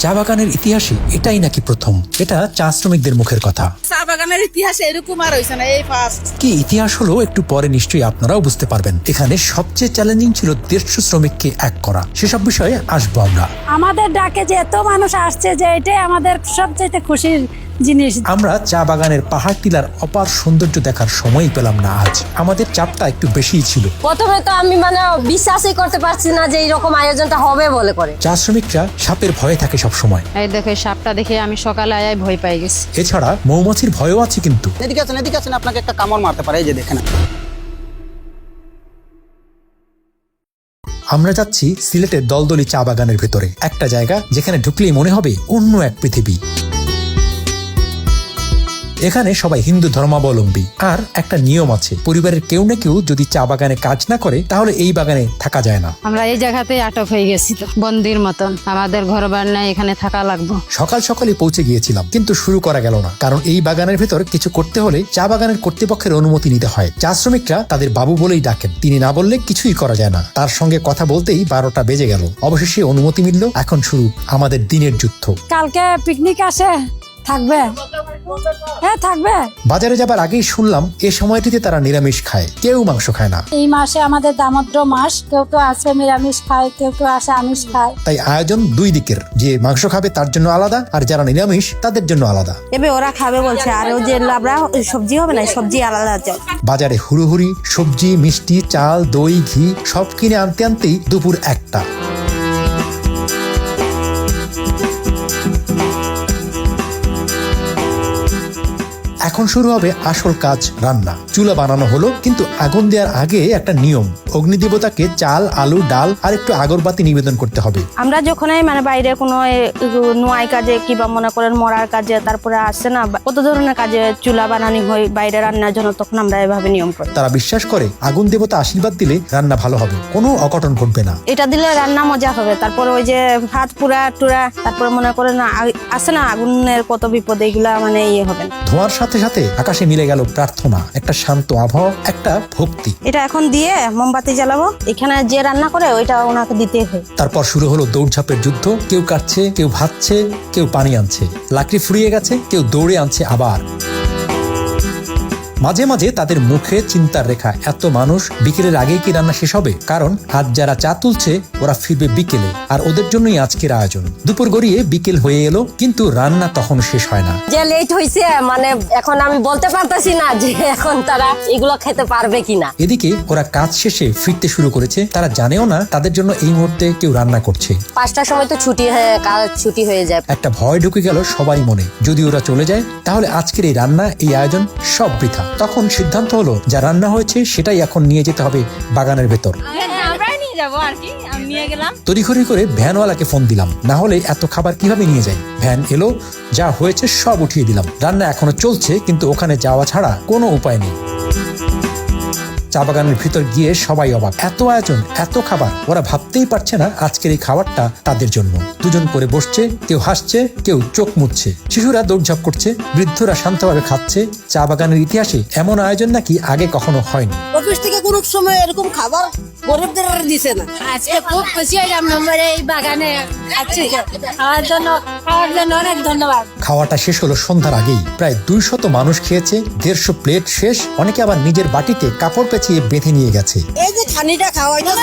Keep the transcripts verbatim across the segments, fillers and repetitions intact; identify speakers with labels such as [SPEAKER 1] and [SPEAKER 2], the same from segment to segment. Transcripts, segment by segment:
[SPEAKER 1] চা বাগানের ইতিহাসে এটাই নাকি প্রথম। এটা চা শ্রমিকদের মুখের কথা।
[SPEAKER 2] চা বাগানের ইতিহাসে এরকম আর হইছে না, এই ফার্স্ট।
[SPEAKER 1] কি ইতিহাস হলো একটু পরে নিশ্চয়ই আপনারাও বুঝতে পারবেন। এখানে সবচেয়ে চ্যালেঞ্জিং ছিল দেড়শো শ্রমিককে এক করা। সেসব বিষয়ে আসবো আমরা।
[SPEAKER 3] আমাদের ডাকে যে এত মানুষ আসছে যে এটাই আমাদের সবচেয়ে খুশির জিনিস।
[SPEAKER 1] আমরা চা বাগানের পাহাড় টিলার অপার সৌন্দর্য দেখার সময়ই পেলাম না আজ। আমাদের চাপটা একটু বেশিই ছিল।
[SPEAKER 4] প্রথমে তো আমি মানে বিশ্বাসই করতে পারছি না যে এইরকম আয়োজনটা হবে বলে করে।
[SPEAKER 1] চা শ্রমিকরা সাপের ভয়ে থাকে সব সময়।
[SPEAKER 5] এই দেখে সাপটা দেখে আমি সকালে আয় ভয় পাই গেছি।
[SPEAKER 1] এছাড়া মৌমাছির ভয়ও আছে কিন্তু।
[SPEAKER 6] এদিকে আছেন এদিকে আছেন আপনাকে একটা কামড় মারতে পারে, এই যে দেখেন।
[SPEAKER 1] আমরা যাচ্ছি সিলেটের দলদলি চা বাগানের ভেতরে, একটা জায়গা যেখানে ঢুকলেই মনে হবে অন্য এক পৃথিবী। এখানে সবাই হিন্দু ধর্মাবলম্বী, আর একটা নিয়ম আছে, পরিবারের কেউ না কেউ যদি চা বাগানে কাজ না করে তাহলে এই বাগানে থাকা যায় না।
[SPEAKER 5] আমরা এই জায়গাতেই আটক হয়ে গেছি তো, বন্দির মতন। আমাদের ঘর বাড়ি নাই, এখানে থাকা লাগবো।
[SPEAKER 1] সকাল সকালে পৌঁছে গিয়েছিলাম, কিন্তু শুরু করা গেল না, কারণ এই বাগানের ভেতর কিছু করতে হলে চা বাগানের কর্তৃপক্ষের অনুমতি নিতে হয়। চা শ্রমিকরা তাদের বাবু বলেই ডাকেন, তিনি না বললে কিছুই করা যায় না। তার সঙ্গে কথা বলতেই বারোটা বেজে গেল। অবশেষে অনুমতি মিলল। এখন শুরু আমাদের দিনের যুদ্ধ।
[SPEAKER 3] কালকে পিকনিক আসে, থাকবে? হ্যাঁ থাকবে।
[SPEAKER 1] বাজারে যাবার আগেই শুনলাম এ সময়টিতে তারা নিরামিষ খায়, কেউ মাংস খায় না।
[SPEAKER 3] এই মাসে আমাদের দামোদ্র মাস, কেউ কেউ আছে নিরামিষ খায়, কেউ কেউ আছে আমিষ খায়।
[SPEAKER 1] তাই আয়োজন দুই দিকের, যে মাংস খাবে তার জন্য আলাদা, আর যারা নিরামিষ তাদের জন্য আলাদা।
[SPEAKER 7] এবার ওরা খাবে বলছে, আর ও যে লাবড়া সবজি হবে না, সবজি আলাদা আছে।
[SPEAKER 1] বাজারে হুড়োহুড়ি, সবজি, মিষ্টি, চাল, দই, ঘি সব কিনে আনতে আনতেই দুপুর একটা। এখন শুরু হবে আসল কাজ, রান্না। চুলা বানানো হলো, কিন্তু আগুন দেওয়ার আগে একটা নিয়ম, অগ্নিদেবতাকে চাল, আলু, ডাল আর একটু আগরবাতি নিবেদন করতে হবে।
[SPEAKER 7] আমরা যখনই মানে বাইরে কোনো নোয়াই কাজে কিংবা মনে করেন মরার কাজে, তারপরে আসছে না কত ধরনের কাজে চুলা বানানি হয় বাইরে রান্নার জন্য, তখন আমরা এভাবে নিয়ম করি।
[SPEAKER 1] তারা বিশ্বাস করে আগুন দেবতা আশীর্বাদ দিলে রান্না ভালো হবে, কোনো অঘটন ঘটবে না।
[SPEAKER 7] এটা দিলে রান্না মজা হবে। তারপরে ওই যে ভাত পুরা টুরা, তারপরে মনে করেন আসে না আগুনের কত বিপদ, এগুলা মানে ইয়ে হবে না।
[SPEAKER 1] ধোঁয়ার সাথে সাথে আকাশে মিলে গেল প্রার্থনা, একটা শান্ত আবহাওয়া, একটা ভক্তি।
[SPEAKER 7] এটা এখন দিয়ে মোমবাতি জ্বালাবো, এখানে যে রান্না করে ওইটা ওনাকে দিতে হয়।
[SPEAKER 1] তারপর শুরু হলো দৌড়ঝাঁপের যুদ্ধ। কেউ কাটছে, কেউ ভাজছে, কেউ পানি আনছে। লাকড়ি ফুরিয়ে গেছে, কেউ দৌড়ে আনছে আবার। মাঝে মাঝে তাদের মুখে চিন্তার রেখা, এত মানুষ, বিকেলের আগেই কি রান্না শেষ হবে? কারণ আজ যারা চা তুলছে ওরা ফিরবে বিকেলে, আর ওদের জন্যই আজকের আয়োজন। দুপুর গড়িয়ে বিকেল হয়ে এলো, কিন্তু রান্না তখন শেষ হয় না।
[SPEAKER 4] যে লেট হয়েছে, মানে এখন আমি বলতে পারতেছি না যে এখন তারা এগুলো খেতে পারবে কিনা।
[SPEAKER 1] এদিকে ওরা কাজ শেষে ফিরতে শুরু করেছে। তারা জানেও না তাদের জন্য এই মুহূর্তে কেউ রান্না করছে।
[SPEAKER 4] পাঁচটার সময় তো ছুটি হয়ে কাজ ছুটি হয়ে যায়।
[SPEAKER 1] একটা ভয় ঢুকে গেল সবারই মনে, যদি ওরা চলে যায় তাহলে আজকের এই রান্না, এই আয়োজন সব বৃথা। তখন সিদ্ধান্ত হলো যা রান্না হয়েছে সেটাই এখন নিয়ে যেতে হবে বাগানের ভেতর। তড়িঘড়ি করে ভ্যানওয়ালাকে ফোন দিলাম, না হলে এত খাবার কিভাবে নিয়ে যাই। ভ্যান এলো, যা হয়েছে সব উঠিয়ে দিলাম। রান্না এখনো চলছে, কিন্তু ওখানে যাওয়া ছাড়া কোনো উপায় নেই। চা বাগানের ভিতর গিয়ে সবাই অবাক, এত আয়োজন, এত খাবার। ওরা ভাবতেই পারছে না আজকের এই খাবারটা তাদের জন্য। দুজন করে বসছে, কেউ হাসছে, কেউ চোখ মুছছে। শিশুরা দৌড়ঝাঁপ করছে, বৃদ্ধরা শান্তভাবে খাচ্ছে। চা বাগানের ইতিহাসে এমন আয়োজন নাকি আগে কখনো হয়নি।
[SPEAKER 2] অফিস থেকে কোনো সময় এরকম খাবার গরিবদের দিছে না।
[SPEAKER 3] আজকে খুব খুশি হলাম আমরা এই বাগানে আছি, খাওয়ার জন্য খাওয়ার জন্য অনেক ধন্যবাদ।
[SPEAKER 1] খাওয়াটা শেষ হলো সন্ধ্যার আগেই। প্রায় দুইশত মানুষ খেয়েছে, দেড়শো প্লেট শেষ। অনেকে আবার নিজের বাটিতে কাপড় পেঁচিয়ে বেঁধে নিয়ে গেছে।
[SPEAKER 2] এই যে খানিটা খাওয়াই না,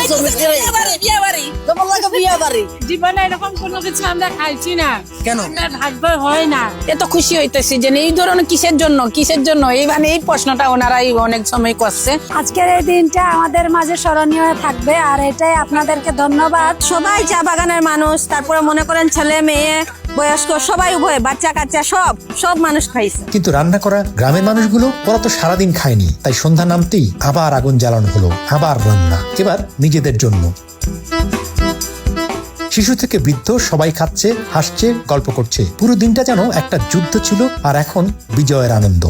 [SPEAKER 3] জীবনে এরকম কোনো কিছু আমরা খাইছি না।
[SPEAKER 6] কেন?
[SPEAKER 3] ভাগ্য হয় না।
[SPEAKER 2] এত খুশি হইতেছি যে এই ধরনের কিসের জন্য কিসের জন্য এই মানে এই প্রশ্নটা ওনারাই অনেক সময় করছে।
[SPEAKER 3] আজকের এই দিনটা আমাদের মাঝে স্মরণীয় হয়ে থাকবে, আর এটাই আপনাদেরকে ধন্যবাদ।
[SPEAKER 7] সবাই চা বাগানের মানুষ, তারপরে মনে করেন ছেলে মেয়ে বয়স্ক সবাই, উভয় বাচ্চা কাচ্চা সব সব মানুষ খাইছে।
[SPEAKER 1] কিন্তু রান্না করা গ্রামের মানুষগুলো, ওরা তো সারাদিন খায়নি। তাই সন্ধ্যা নামতেই আবার আগুন জ্বালানো হলো, আবার রান্না, এবার নিজেদের জন্য। শিশু থেকে বৃদ্ধ সবাই খাচ্ছে, হাসছে, গল্প করছে। পুরো দিনটা যেন একটা যুদ্ধ ছিল, আর এখন বিজয়ের আনন্দ।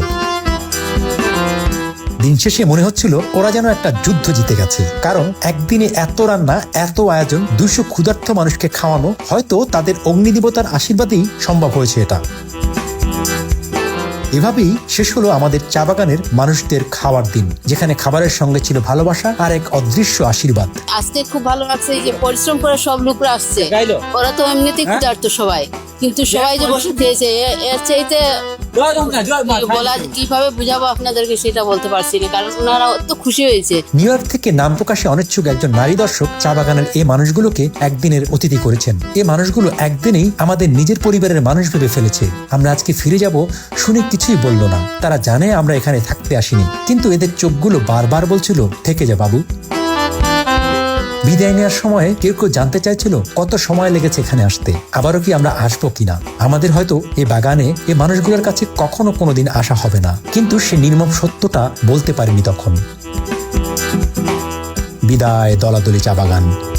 [SPEAKER 1] দিন শেষে মনে হচ্ছিল ওরা যেন একটা যুদ্ধ জিতে গেছে। কারণ একদিনে এত রান্না, এত আয়োজন, দুশো ক্ষুধার্ত মানুষকে খাওয়ানো, হয়তো তাদের অগ্নিদেবতার আশীর্বাদেই সম্ভব হয়েছে এটা। এভাবেই শেষ হলো আমাদের চা বাগানের মানুষদের খাওয়ার দিন, যেখানে খাবারের সঙ্গে ছিল ভালোবাসা আর এক অদৃশ্য আশীর্বাদ।
[SPEAKER 8] আজকে খুব ভালো লাগছে যে পরিশ্রম করে সব লোকরা আসছে, ওরা তো এমনিতেই ক্ষুধার্ত সবাই। কিন্তু সবাই যে বসে খেয়েছে এ- এর চাইতে বলা কিভাবে বুঝাবো আপনাদেরকে সেটা বলতে পারছি না, কারণ ওনারা তো খুশি হয়েছে।
[SPEAKER 1] নিউ ইয়র্ক থেকে নাম প্রকাশে অনিচ্ছুক একজন নারী দর্শক চা বাগানের এই মানুষগুলোকে একদিনের অতিথি করেছেন। এই মানুষগুলো একদিনেই আমাদের নিজের পরিবারের মানুষ ভেবে ফেলেছে। আমরা আজকে ফিরে যাব শুনে কিছুই বলল না। তারা জানে আমরা এখানে থাকতে আসিনি, কিন্তু এদের চোখগুলো বারবার বলছিল থেকে যা বাবু। বিদায় নেওয়ার সময় কেউ কেউ জানতে চাইছিল কত সময় লেগেছে এখানে আসতে, আবারও কি আমরা আসবো কিনা। আমাদের হয়তো এই বাগানে এই মানুষগুলোর কাছে কখনো কোনোদিন আসা হবে না, কিন্তু সে নির্মম সত্যটা বলতে পারিনি তখন। বিদায় দলাদলি চা বাগান।